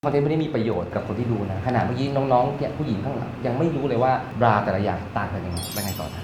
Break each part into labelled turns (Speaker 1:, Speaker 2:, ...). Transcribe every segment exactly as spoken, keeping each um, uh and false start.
Speaker 1: คอนเทนต์ไม่ได้มีประโยชน์กับคนที่ดูนะขนาดเมื่อกี้น้องๆเนี่ยผู้หญิงข้างหลังยังไม่รู้เลยว่าบราแต่ละอย่างต่างกันยังไงเป็นไงต่อนะ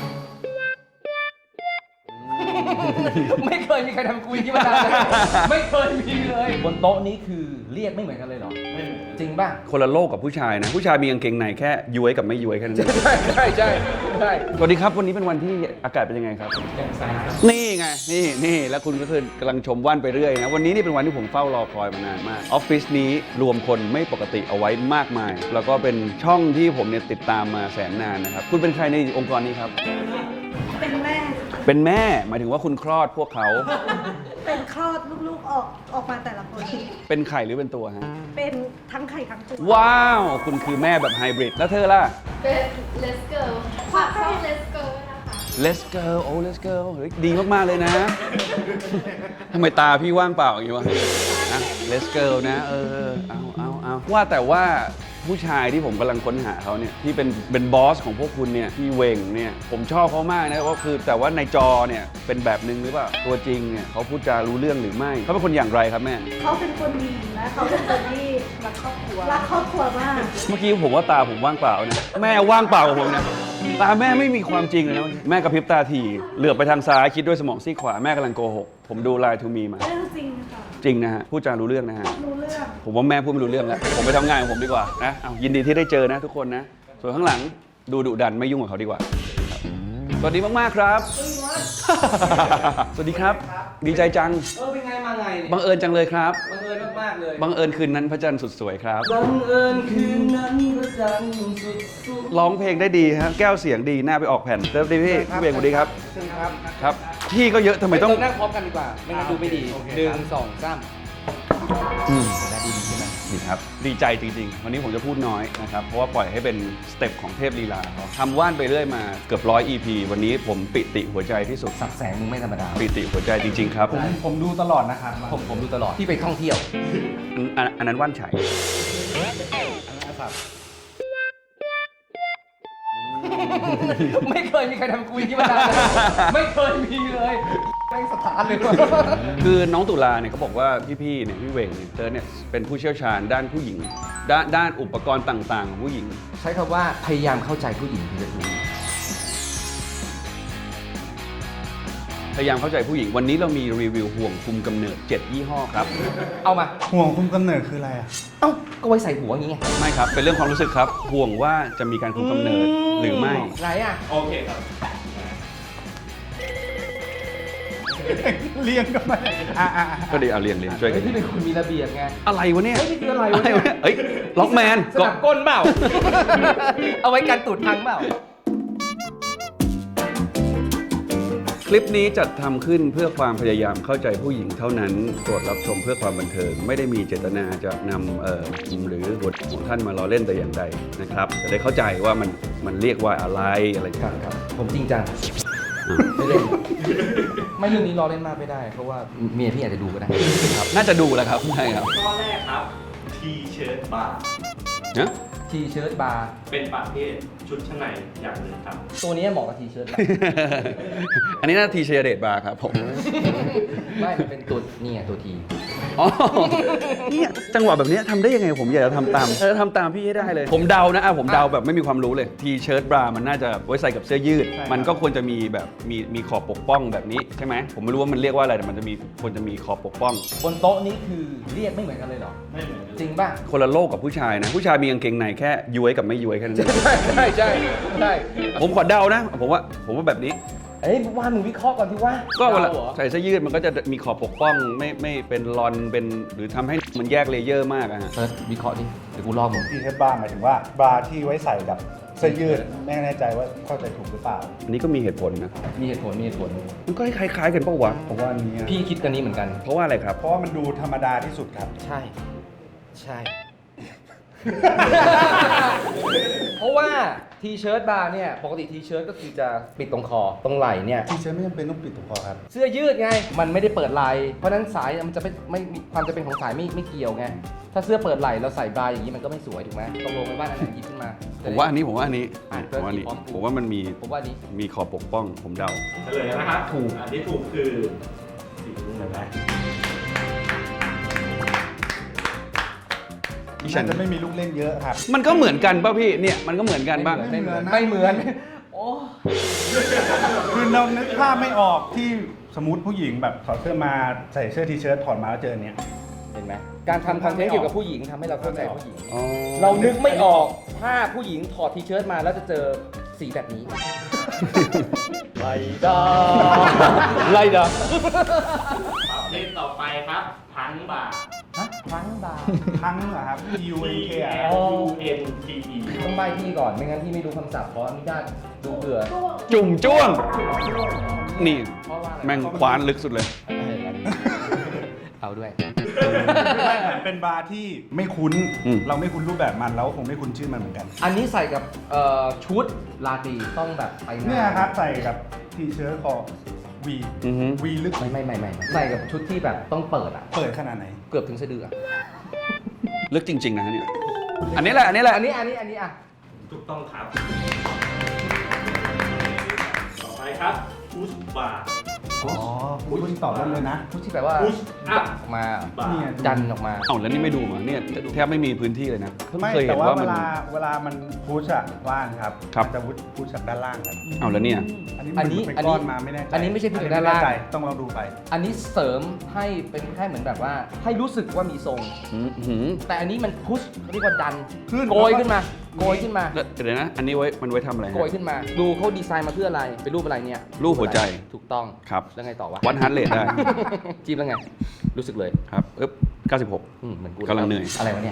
Speaker 1: ไม่เคยมีใครทำกูอย่างนี้มาเลยไม่เคยมีเลยบนโต๊ะนี้คือเรียกไม่เหมือนกันเลยเหรอไม่เหมือนจริงป่ะ
Speaker 2: คนละโลกกับผู้ชายนะผู้ชายมีกางเกงในแค่ย้วยกับไม่ย้วยแค่นั้นเอง
Speaker 1: ใช่ใช่ใช่ใช่
Speaker 2: สวัสดีครับวันนี้เป็นวันที่อากาศเป็นยังไงครับนี่ไงนี่นี่แล้วคุณก็คือกำลังชมว่านไปเรื่อยนะวันนี้นี่เป็นวันที่ผมเฝ้ารอคอยมานานมากออฟฟิศนี้รวมคนไม่ปกติเอาไว้มากมายแล้วก็เป็นช่องที่ผมเนี่ยติดตามมาแสนนานนะครับคุณเป็นใครในองค์กรนี้ครับ
Speaker 3: เป็นแม่
Speaker 2: เป็นแม่หมายถึงว่าคุณคลอดพวกเขา
Speaker 3: เป็นคลอดลูกๆออกออกมาแต่ละคน
Speaker 2: เป็นไข่หรือเป็นตัวฮะ
Speaker 3: เป็นทั้งไข่ทั้งตัว
Speaker 2: ว้าวคุณคือแม่แบบไฮบริดแล้วเธอล่ะ
Speaker 4: เป็น Let's Go ค่ะชอบ Let's Go นะคะ
Speaker 2: Let's go โอ้ Let's go เฮ้ยดีมากๆเลยนะทำไมตาพี่ว่างเปล่าอย่างนี้วะนะ Let's go นะเออเอาเอาเอาว่าแต่ว่าผู้ชายที่ผมกำลังค้นหาเขาเนี่ยที่เป็นเป็นบอสของพวกคุณเนี่ยพี่เวงเนี่ยผมชอบเขามากนะก็คือแต่ว่าในจอเนี่ยเป็นแบบนึงหรือเปล่าตัวจริงเนี่ยเขาพูดจารู้เรื่องหรือไม่เขาเป็นคนอย่างไรครับแม่
Speaker 3: เขาเป็นคนดีและเขาเป็นคนที่รักครอบครัวรักครอบครัวมาก
Speaker 2: เมื่อกี้ผมว่าตาผมว่างเปล่านะแม่ว่างเปล่ากับผมนะตาแม่ไม่มีความจริงเลยนะแม่กระพริบตาทีเหลือบไปทางซ้ายคิดด้วยสมองซีกขวาแม่กำลังโกหกผมดูไลน์ทูมีมา
Speaker 3: เรื่องจริงค่ะ
Speaker 2: จริงนะฮะพูดจารู้เรื่องนะฮะ
Speaker 3: รู้เรื่อง
Speaker 2: ผมว่าแม่พูดไม่รู้เรื่องแล้วผมไปทำงานของผมดีกว่านะเอายินดีที่ได้เจอนะทุกคนนะส่วนข้างหลังดูดุดันไม่ยุ่งกับเขาดีกว่าสวัสดีมากๆครับสวัสดีครับดีใจจัง
Speaker 1: เออเป็นไงมาไง
Speaker 2: บังเอิญจังเลยครับ
Speaker 1: บังเอิญมากๆเลย
Speaker 2: บังเอิญคืนนั้นพระจันทร์สุดสวยครับ
Speaker 1: บังเอิญคืนนั้นพระจันทร์สุดสวย
Speaker 2: ร้องเพลงได้ดีฮะแก้วเสียงดีหน้าไปออกแผ่นเติมดีพี่พี่เบงสวัสดีครับ
Speaker 1: เชิญครับ
Speaker 2: ครับพี่ก็เยอะทำไมต้อง
Speaker 1: นั่งพร้อมกันดีกว่าไม่งั้นดูไม่ดีหนึ่งสองสาม
Speaker 2: อืม
Speaker 1: ได้ดีใช่ไหม
Speaker 2: ดีครับดีใจจริงๆวันนี้ผมจะพูดน้อยนะครับเพราะว่าปล่อยให้เป็นสเต็ปของเทพลีลาเขาทำว่านไปเรื่อยมาเกือบร้อย อี พี วันนี้ผมปิติหัวใจที่สุด
Speaker 1: สักแสงมึงไม่ธรรมดา
Speaker 2: ปิติหัวใจจริงๆครับ
Speaker 1: ผมผมดูตลอดนะครับผมผมดูตลอดที่ไปท่องเที่ยว
Speaker 2: อันอันนั้นว่านไฉ
Speaker 1: ไม่เคยมีใครทำกูอย่างนี้มาเลยไม่เคยมีเลยแม่งสถานเลย
Speaker 2: คือน้องตุลาเนี่ยเขาบอกว่าพี่ๆเนี่ยพี่เวงเนี่ยเธอเนี่ยเป็นผู้เชี่ยวชาญด้านผู้หญิงด้านด้านอุปกรณ์ต่างๆของผู้หญิง
Speaker 1: ใช้คำว่าพยายามเข้าใจผู้หญิงคือจะถูก
Speaker 2: พยายามเข้าใจผู้หญิงวันนี้เรามีรีวิวห่วงคุมกำเนิดเจ็ดยี่ห้อครับ
Speaker 1: เอามา
Speaker 5: ห่วงคุมกำเนิดคืออะไรอ่ะ
Speaker 1: เอ้าก็ไว้ใส่หัวอย่างงี้ไง
Speaker 2: ไม่ครับเป็นเรื่องความรู้สึกครับห่วงว่าจะมีการคุมกำเนิดหรือไม่
Speaker 1: ไรอ่ะ
Speaker 2: โอเคครับ
Speaker 5: เลี้ยงก็ไม่
Speaker 2: ก็ดีเอาเรียงเรียงช่วยกัน
Speaker 1: ที่เป็นคนมีระเบียบไง
Speaker 2: อะไรวะเนี่ย
Speaker 1: เฮ้ยนี่คืออะไรวะเนี่ย
Speaker 2: เฮ้ยล็อกแมน
Speaker 1: สนับก้นเปล่าเอาไว้กันตูดพังเปล่า
Speaker 2: คลิปนี้จัดทำขึ้นเพื่อความพยายามเข้าใจผู้หญิงเท่านั้นโปรดรับชมเพื่อความบันเทิงไม่ได้มีเจตนาจะนำเอ่อหรือบทของท่านมาล้อเล่นแต่อย่างใดนะครับจะได้เข้าใจว่ามันมันเรียกว่าอะไรอะไร
Speaker 1: ครับครับผมจริงจังไม่เล่นไม่เรื่องนี้ล้อเล่นมากไม่ได้เพราะว่าเมียพี่อาจจะดูก็ได้
Speaker 2: ครับน่าจะดูแล้วครับใช่ครับ
Speaker 6: ข้อแรกครับทีเชิ้ตบาร์
Speaker 2: นะ
Speaker 1: ทีเชิ้ตบาร์
Speaker 6: เป็นประเภทชุดชั้นในอย่างหนึ่งครับ
Speaker 1: ตัวนี้เหมาะกับทีเชิ้ต
Speaker 2: อันนี้น่าทีเชียร์เดทบาร์ครับผม
Speaker 1: ไม่มันเป็นตัวนี่ไงตัวที
Speaker 2: อ๋อเนี่ยจังหวะแบบนี้ทำได้ยังไงผมอยากจะทำตามเออทำตามพี่ให้ได้เลยผมเดานะอ่ะผมเดาแบบไม่มีความรู้เลยทีเชิ้ตบรามันน่าจะไว้ใส่กับเสื้อยืดมันก็ควรจะมีแบบมีมีขอบปกป้องแบบนี้ใช่ไหมผมไม่รู้ว่ามันเรียกว่าอะไรแต่มันจะมีควรจะมีขอบปกป้อง
Speaker 1: บนโต๊ะนี้คือเรียกไม่เหมือนกันเลยหรอ
Speaker 6: ไม่เหมือน
Speaker 1: จริงป่ะ
Speaker 2: คนละโลกกับผู้ชายนะผู้ชายมีกางเกงในแค่ย้วยกับไม่ย้วยแค่นั้น
Speaker 1: ใช่ใช่ใช่ใช่
Speaker 2: ผมขอเดานะผมว่าผมว่าแบบนี้
Speaker 1: เอ้ยว่ามึงวิเคราะห์ก่อนที่ว่า
Speaker 2: ก็เวลาใส่เสื้อยืดมันก็จะมีขอบปกป้องไม่ไม่เป็นรอนเป็นหรือทำให้มันแยกเลเยอร์มากอะฮะ
Speaker 1: เฟิร์สวิเคราะห์ดิเดี๋ยวกูลอกมึง
Speaker 5: ทีเทปบาร์หมายถึงว่าบาร์ที่ไว้ใส่กับเสื้อยืดไม่แน่ใจว่าเข้าใจถูกหรือเปล่า
Speaker 2: อันนี้ก็มีเหตุผลนะ
Speaker 1: มีเหตุผลมีเหตุผล
Speaker 2: มันก็คล้ายๆกันปะวะ
Speaker 5: เพราะว่านี้
Speaker 1: พี่คิดกันนี้เหมือนกัน
Speaker 2: เพราะว่าอะไรครับ
Speaker 5: เพราะว่ามันดูธรรมดาที่สุดครับ
Speaker 1: ใช่ใช่เพราะว่าทีเชิ้ตบาร์เนี่ยปกติทีเชิ้ตก็คือจะปิดตรงคอตรงไหล่เนี่ย
Speaker 5: ทีเชิ้ตไม่จำเป็นต้องปิดตรงคอครับ
Speaker 1: เสื้อยืดไงมันไม่ได้เปิดไหล่เพราะนั้นสายมันจะไม่ไม่มีความจะเป็นของสายไม่ไม่เกี่ยวไงถ้าเสื้อเปิดไหล่เราใส่บาร์อย่างนี้มันก็ไม่สวยถูกไหมตกลงไปว่าอันไหนหยิบขึ้นมา
Speaker 2: ผมว่าอันนี้ผมว่าอันนี้ผมว่าอันนี้ผมว่ามันมี
Speaker 1: ผมว่านี้
Speaker 2: มีขอบปกป้องผมเดา
Speaker 6: เฉลยนะครับถูกอันที่ถูกคือสีม่วงนะ
Speaker 2: ที่ฉั
Speaker 5: น่าน จะไม่มีลูกเล่นเยอะครับ
Speaker 2: มันก็เหมือนกันป่ะพี่เนี่ยมันก็เหมือนกันป่ะ
Speaker 1: ไม่เหมือน
Speaker 5: ไม่
Speaker 1: ไม่
Speaker 5: เห
Speaker 1: เห
Speaker 5: มื
Speaker 1: มื
Speaker 5: อ
Speaker 1: อน นโอ้
Speaker 5: คือเรานึกภาพไม่ออกที่สมมติผู้หญิงแบบถอดเสื้อมาใส่เสื้อทีเชิ้ตถอดมาแล้วเจออนเนี้ย
Speaker 1: เห็นไหมการทำคอนเทนต์เกี่ยวกับผู้หญิงทำให้เราเข้าใจผู้หญิง
Speaker 2: อ๋อ
Speaker 1: เรานึกไม่ออกถ้าผู้หญิงถอดทีเชิ้ตมาแล้วจะเจอสีแบบนี้ ไลดาไลดา
Speaker 6: ประเภทต่อไปครับพังบาร์
Speaker 1: ฮะครั้งบาร์
Speaker 5: ทั้งเหรอครับ P U N K อะ
Speaker 6: L U N T E
Speaker 1: ต้องใบพี่ก่อนไม่งั้นพี่ไม่รู้คำศัพท์ขออนุญาตดูเผื่อ
Speaker 2: จุ่มจ้วง นี่
Speaker 1: เพราะว่าอะไร
Speaker 2: แม่งคว้านลึกสุดเลย
Speaker 1: เอองั้นเอาด้วย
Speaker 5: ไม่เป็นบาร์ที่ไม่คุ้น
Speaker 2: อืม
Speaker 5: เราไม่คุ้นรูปแบบมันเราก็คงไม่คุ้นชื่อมันเหมือนกัน
Speaker 1: อันนี้ใส่กับเอ่อชุดลาตรีต้องแบบไปงาน
Speaker 5: เนี่ยครับใส่กับทีเชิ้ตคอวี
Speaker 2: อือฮึ
Speaker 5: วีลึก
Speaker 1: ไม่ไม่ไม่ไม่ใส่กับชุดที่แบบต้องเปิดอ่ะ
Speaker 5: เปิดขนาดไหน
Speaker 1: เกือบถึงสะดืออะ
Speaker 2: ลึกจริง ๆ นะฮะเนี่ย อันนี้แหละ อันนี้แหละ
Speaker 1: อันนี้อันนี้อันนี้อ่ะ
Speaker 6: ถูกต้องครับ ต่อไปครับพุชบาร์
Speaker 5: อ๋อคุณตอบได้เลยนะ
Speaker 1: ชุดที่แบบว่า
Speaker 6: Push up
Speaker 1: ออกมา
Speaker 6: บาร์
Speaker 5: เนี่ย
Speaker 1: ดันออกมา
Speaker 2: เอ้าแล้วนี่ไม่ดูมาเนี่ยแทบไม่มีพื้นที่เลยนะเพิ่ง
Speaker 5: ไม่
Speaker 2: เคยเห็
Speaker 5: แต่
Speaker 2: น
Speaker 5: ว่า
Speaker 2: ว่า
Speaker 5: เว
Speaker 2: มัน
Speaker 5: ลาเวลามันพุชอะว่างครับ
Speaker 2: ครับ
Speaker 5: มันจะพุชจากด้านล่างครับ
Speaker 2: เอ้าแล้วเนี่ย
Speaker 5: อันนี้
Speaker 1: อันนี้
Speaker 5: มัน
Speaker 1: อัน
Speaker 5: เป็น
Speaker 1: นี้
Speaker 5: ก้อนมาไม่แน่ใจ
Speaker 1: อันนี้ไม่ใช่พุชจากด้านล่าง
Speaker 5: อัไม่แใจต้องลองดูไป
Speaker 1: อันนี้เสริมให้เป็นแค่เหมือนแบบว่า ให้รู้สึกว่ามีทรง
Speaker 2: อืมหืม
Speaker 1: แต่อันนี้มันพุชเรียกว่าดัน
Speaker 5: ขึ้น
Speaker 1: โกยขึ้นมา โกยขึ้นมา
Speaker 2: แล้วเดี๋ยวนะ อันนี้ไว้มันไว้ทำอะไรฮะ
Speaker 1: โกยขึ้นมา ดูเขาดีไซน์มาเพื่ออะไร เป็นรูปอะไรเนี่ย
Speaker 2: รูปหัวใจ
Speaker 1: ถูกต้อง
Speaker 2: ครับ
Speaker 1: แล้วไงต่อวะ
Speaker 2: วัดฮาร์ดเรทได้
Speaker 1: จีบแล้วไง รู้สึกเลย
Speaker 2: ครับอึ๊บเก้าสิบหก
Speaker 1: อืมเหมือนกู
Speaker 2: กำลังเหนื่อย
Speaker 1: อะไรวะเนี่ย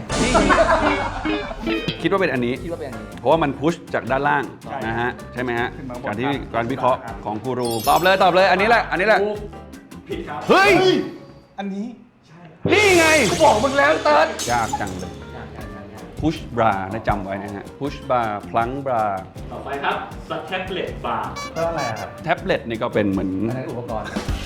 Speaker 2: คิดว่าเป็นอันนี้
Speaker 1: คิดว่าเป็นอันนี้
Speaker 2: เพราะว่ามันพุชจากด้านล่าง
Speaker 5: ใช่
Speaker 2: นะฮะ ใช่ไหมฮะ
Speaker 5: ขึ้นมาบน
Speaker 2: การที่
Speaker 5: ครับ
Speaker 2: การวิเคราะห์
Speaker 5: ครับ
Speaker 2: ของกูรู ตอบเลยตอบเลย อันนี้แหละ อันนี้แหละ
Speaker 6: ถูกผิดครับ
Speaker 2: เฮ้ย
Speaker 5: อันนี้
Speaker 2: นี่ไง
Speaker 1: กูบอกมึงแล้วเติร์ด
Speaker 2: ยากจังเลย พุชบรานะจำไว้นะฮะ พุชบราพลังบรา
Speaker 6: ต่อไปครับสแท็บเล็ตบาร์
Speaker 5: ก็อะไรอะครับ
Speaker 2: แท็บเล็ตนี่ก็เป็นเหมือน
Speaker 1: อันนั้นอุปกรณ์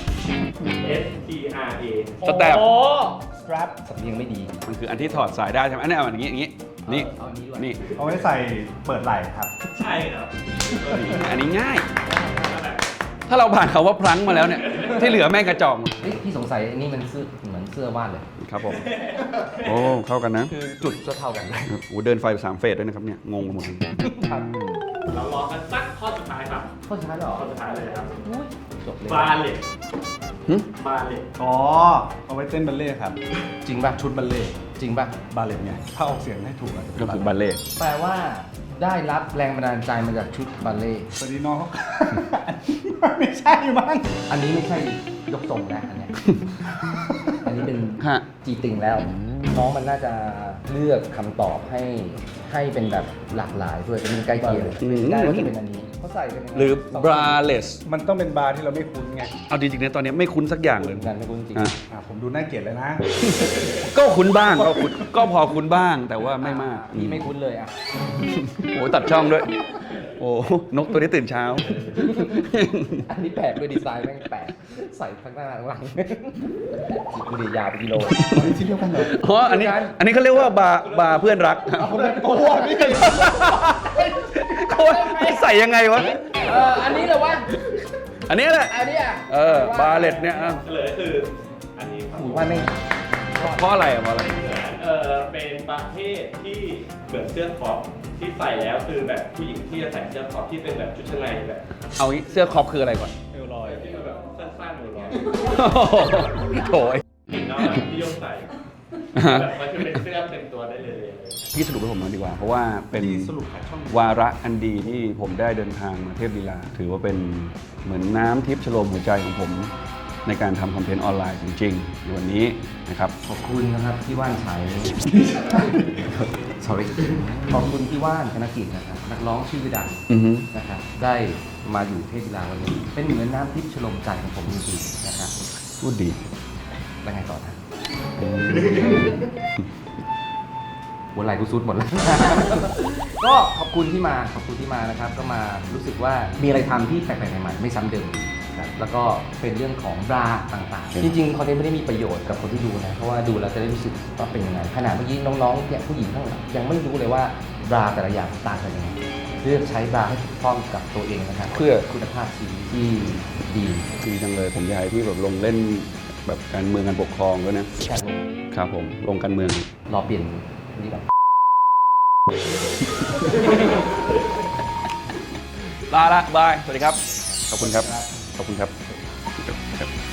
Speaker 6: S T R A
Speaker 2: สแตป
Speaker 1: โอ้
Speaker 5: strap
Speaker 1: สำเนียงไม่ดี
Speaker 2: มันคืออันที่ถอดสายได้ใช่ไหมอันนี้เอาอย่างนี้อย่างนี้ นี่
Speaker 1: เอาอันนี้ด้วย
Speaker 2: นี่
Speaker 5: เอาไว้ใส่เปิดไหล่ครับ
Speaker 6: ใช่ครับ
Speaker 2: อันนี้ง่าย ถ้าเราผ่านคาว่าพลังมาแล้วเนี่ย ที่เหลือแม่งกระจอกหมด
Speaker 1: เฮ้ยพี่สงสัยอันนี้มันเสื้อเหมือนเสื้อวาดเลย
Speaker 2: ครับผม โอ้ เข้ากันนะ
Speaker 1: คือจุดก็เท่ากันเลย
Speaker 2: โอ้เดินไฟสามเฟสด้วยนะครับเนี่ย งงไปหมดเลย
Speaker 1: ครับ
Speaker 6: เรารอกันสักข้อสุดท้ายครับ
Speaker 1: ข้อสุดท้ายเหรอ
Speaker 6: ข้อสุดท้ายเลยครับ
Speaker 1: อุ้ยจบเลย
Speaker 6: บาเล็ต
Speaker 2: หึ
Speaker 6: บาเล็ต
Speaker 5: อ๋อ เอาไว้เต้นบัลเล่ต์ครับ
Speaker 1: จริงป่ะ
Speaker 5: ชุดบัลเล่ต์
Speaker 1: จริงป่ะ
Speaker 5: บาเลตไง ถ้าออกเสียงให้ถูกอาจจะเป็
Speaker 2: ก็
Speaker 5: น
Speaker 2: คือ
Speaker 5: บั
Speaker 2: บั
Speaker 5: ล
Speaker 2: ล
Speaker 5: เล่ต์
Speaker 2: เล่ต์
Speaker 1: แปลว่าได้รับแรงบันดาลใจมาจากชุดบัลเล่ต์
Speaker 5: สวัสดีน้องเขา ไม่ใช่มั้ง
Speaker 1: อันนี้ไม่ใช่ยกทรงนะอันเนี้ย อันนี้เป็น
Speaker 2: ฮะ
Speaker 1: จีติงแล้ว น้องมันน่าจะเลือกคำตอบให้ให้เป็นแบบหลากหลายด้วยเป็นใกล้เคียง
Speaker 2: อืม
Speaker 1: ได้ว่าจะเป็นอันนี้เขาใส่เป็นยังไง
Speaker 2: หรือ
Speaker 1: สง
Speaker 2: braless
Speaker 5: มันต้องเป็นบาร์ที่เราไม่คุ้นไง
Speaker 2: เอาจริงๆนะตอนนี้ไม่คุ้นสักอย่างเลย
Speaker 1: เหมือนกันไม่คุ้นจริง
Speaker 2: อ่ะ
Speaker 5: อ่ะผมดูน่าเกลียดเลยนะ
Speaker 2: ก็คุ้นบ้างก็คุ้นก็พอคุ้นบ้างแต่ว่าไม่มาก
Speaker 1: พี่ไม่คุ้นเลยอ่ะ
Speaker 2: โอ้ยตัดช่องด้วย โอ้นกตัวนี้ตื่นเช้า
Speaker 1: อันนี้แปลกด้วยดีไซน์แม่งแปลกใส่ทั้งหน้าทั้งหลังดูดิยาวไปกิโล
Speaker 5: อันนี้ชิ้นเดียวกันเหรอ
Speaker 2: อ๋ออันนี้อันนี้เขาเรียกว่าบาร์บาร์เพื่อนรัก
Speaker 5: คนละตัวนี่
Speaker 2: โคตรใส่ยังไงวะ
Speaker 1: เอออันนี้เหรอวะ
Speaker 2: อันนี้แหละ
Speaker 1: อันนี้อ่ะ
Speaker 2: เออบาร์เล็ตเนี่ยอ่ะ
Speaker 6: เฉลยคืออันนี้ครับ
Speaker 1: หูว่าไม่
Speaker 2: เพราะอะไรอ่ะเพราะอะไร
Speaker 6: เออเป็นประเภทที่เหมือนเสื้อครอปที่ใส่แล้วคือแบบผู้หญิงที่จะใส่เสื้อครอปที่เป็นแบบชุดชั้นในแบบ
Speaker 2: เอางี้เสื้อครอปคืออะไรก่อน
Speaker 6: เอวลอยที่มันแบบสั้นๆเอวลอย
Speaker 2: โถ่ไอ้
Speaker 6: น้องแบบที่ยกใส่แบบมันจะเป็นเสื้อเต็มตัวได้เลย
Speaker 2: พี่สรุปให้ผมหน่อยดีกว่า เพราะว่าเป็น
Speaker 5: สรุปหาช่อง
Speaker 2: วาระอันดีที่ผมได้เดินทางมาเทพลีลา ถือว่าเป็นเหมือนน้ำทิพย์ชโลมหัวใจของผม ในการทำคอนเทนต์ออนไลน์จริงๆในวันนี้นะครับ
Speaker 1: ขอบคุณนะครับพี่ว่านชัย sorry ขอบคุณพี่ว่านธนกิจนะครับนักร้องชื่อดัง
Speaker 2: อือฮึ
Speaker 1: นะครับได้มาอยู่เทพกีฬาวันนี้ เป็นเหมือนน้ำทิพย์ชโลมใจของผมจริงๆนะครับ
Speaker 2: พูดดี
Speaker 1: แล้วไงต่อนะวันไหลกูซุดหมดแล้ว ก็ขอบคุณที่มาขอบคุณที่มานะครับ ก็มารู้สึกว่ามีอะไรทำที่แปลกๆใหม่ๆไม่ซ้ำเดิมครับแล้วก็เป็นเรื่องของบราต่างๆ จริงๆคอนเทนต์ไม่ได้มีประโยชน์กับคนที่ดูนะเพราะว่าดูแล้วจะได้รู้สึกว่าเป็นยังไงขนาดเมื่อกี้น้องๆเนี่ยผู้หญิงทั้งหลายยังไม่รู้เลยว่าบราแต่ละอย่างต่างกันยังไงเลือกใช้บราให้ถูกต้องกับตัวเองนะครับเพื่อคุณภาพชีวิตที่ดี
Speaker 2: ดีจังเลยผมอยากให้พี่แบบลงเล่นแบบการเมืองการปกครองด้วยนะ
Speaker 1: การลง
Speaker 2: ครับผมลงการเมือง
Speaker 1: รอเปลี่ยนนี่แบบ
Speaker 2: ลาละบาย สวัสดีครับ ขอบคุณครับ ขอบคุณครับ